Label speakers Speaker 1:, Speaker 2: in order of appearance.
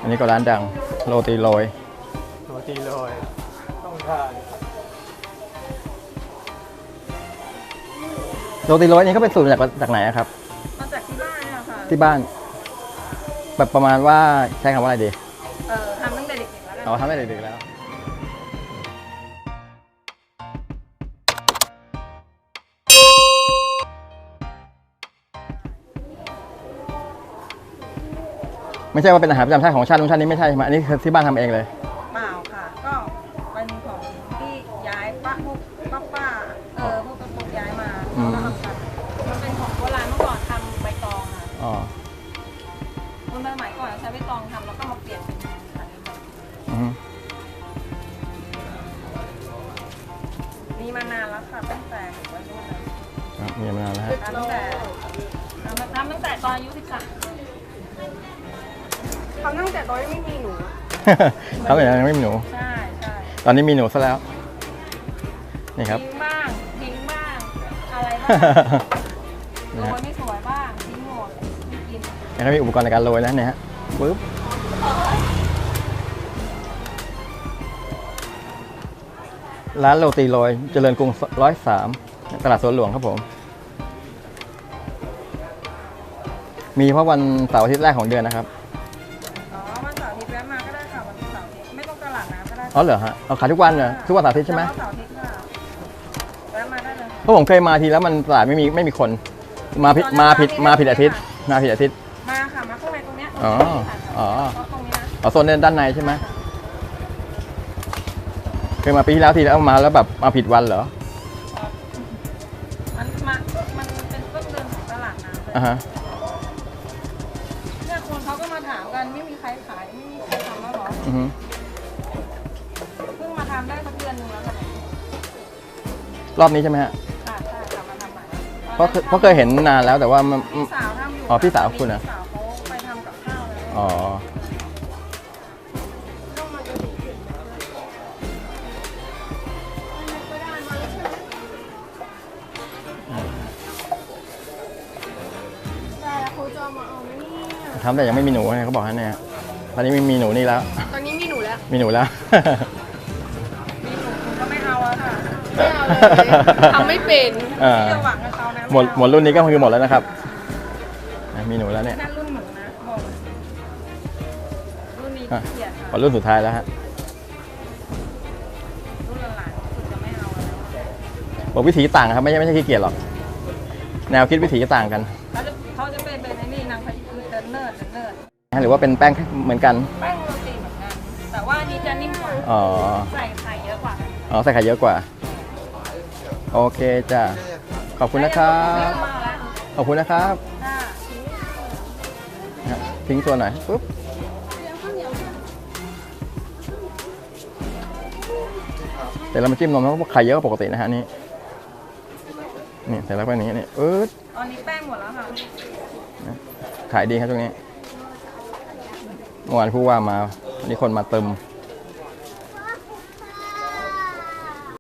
Speaker 1: อันนี้ก็ร้านดังโรตีโรย
Speaker 2: ต้องทาน
Speaker 1: โรตีโรยนี่ก็เป็นสูตรจากไหนครับ
Speaker 3: มาจากที่บ้านเนี่ยค่ะ
Speaker 1: ที่บ้านแบบประมาณว่าใช้คำว่าอะไรดี
Speaker 3: ทำตั้งแต่เด็กๆแล้วกัน
Speaker 1: ทำตั้งแต่เด็กๆแล้วไม่ใช่ว่าเป็นอาหารประจำชาติของชาตินู้นชาตินี้ไม่ใช่ใช่ไหมอันนี้คือที่บ้านทำเองเลย
Speaker 3: เปล่าค่ะก็เป็นของที่ย้ายป้าพวกป้าพวกกระปุกย้ายมาแล้วก็ทำกันมันเป็นของโบราณเมื่อก่อนทำใบตองค่ะคนสมัยก่อนใช้ใบตองทำแล้วก็มาเปลี่ยนเป็นอันนี้มีมานานแล้วค่ะตั้งแต่วัยรุ่น
Speaker 1: มีมานานแล้ว
Speaker 3: ตั้งแต่ตอนอายุ13ทำตั้งแต่ตอนไม่มีหนู
Speaker 1: ทำแต่ยังไม่มีหนู
Speaker 3: ใช่
Speaker 1: ตอนนี้มีหนูซะแล้วนี่ครับ
Speaker 3: ทิ้งบ้างอะไรบ้างโรยไม่สวยบ้างทิ้งหมดไม่กิน
Speaker 1: แล้วก็มีอุปกรณ์ในการโรยนะเนี่ยฮะปึ๊บร้านโรตีโรยเจริญกรุง103ตลาดสวนหลวงครับผมมีเพราะวันเสาร์อาทิตย์แรกของเดือนนะครับ
Speaker 3: วันเสาร์อาทิตย์แวะมาก็ได้ค่ะวันเสาร์อาทิตย์ไม่ต้องตลาดน้ำก็ได้
Speaker 1: เหรอฮะเอาขายทุกวันเหรอทุกวันเสาร์อาทิตย์ใช่ไหม
Speaker 3: เสาร์อาทิตย์ค่ะแวะมาได้เลย
Speaker 1: เพราะผมเคยมาทีแล้วมันตลาดไม่มีคนมาผิดอาทิตย์มาข้าง
Speaker 3: ในตรงเนี้ยตรงนี้นะ
Speaker 1: โซนด้านในใช่ไหมเคยมาปีที่แล้วทีแล้วมาแล้วแบบมาผิดวันเหรอ
Speaker 3: มันเป็นต้นเดือนของตลาดน้ำเลยเนี่ยคนเขาก็มาถามกันไม่มีใครขายไม่มีใครทำแล้วหรอเพิ่งมาทำได้สักเดือนนึงแล้วค่ะ
Speaker 1: รอบนี้ใช่ไหมฮะ
Speaker 3: ใช่ทำมาทำใหม่
Speaker 1: เพราะเคยเห็นนานแล้วแต่ว่า
Speaker 3: พี่สาวทำอยู่
Speaker 1: พี่สาวคุณนะ
Speaker 3: พี่สาวเขาไปทำกับข้าวแล้ว
Speaker 1: ทำแต่ยังไม่มีหนูไงเขาบอกให้เนี่ยตอนนี้มีหนูนี่แล้ว
Speaker 3: ตอนนี้มีหนูแล้ว
Speaker 1: มีหนูแล้ว
Speaker 3: มีหนูก็ไม่เอาแล้วค่ะไม่เอาเลยทำไม่เป็นที่จะหวังกับเขานะ
Speaker 1: หมดรุ่นนี้ก็คือหมดแล้วนะครับมีหนูแล้วเนี่ย
Speaker 3: นั่นรุ่นหนูนะบอกรุ่นนี้เกียรติค่ะ
Speaker 1: รุ่นสุดท้ายแล้วฮะ
Speaker 3: รุ่นหลานสุดจะไม่เอาแล้ว
Speaker 1: บอกวิถีต่างครับไม่ใช่ขี้เกียจหรอกแนวคิดวิถีต่างกัน
Speaker 3: เขาจะเป็นไอ้นี่นางพายคือเนิร์ด
Speaker 1: หรือว่าเป็นแป้งเหมือนกัน
Speaker 3: แป้งโรตีเหมือนกันแต่ว่านี่จะนิ่มกว่าใส่ไข่เยอะกว่า
Speaker 1: ใส่ไข่เยอะกว่าโอเคจ้ะขอบคุณนะครับขอบคุณนะครับทิ้งตัวหน่อยปุ๊บแต่เรามาจิ้มนมเพราะไข่เยอะกว่าปกตินะฮะนี่ใส่แล้วไปนี้นี่
Speaker 3: ตอนนี้แป้งหมดแล้วค่ะ
Speaker 1: ขายดีครับตรงนี้เมื่อวานผู้ว่ามามีคนมาเติม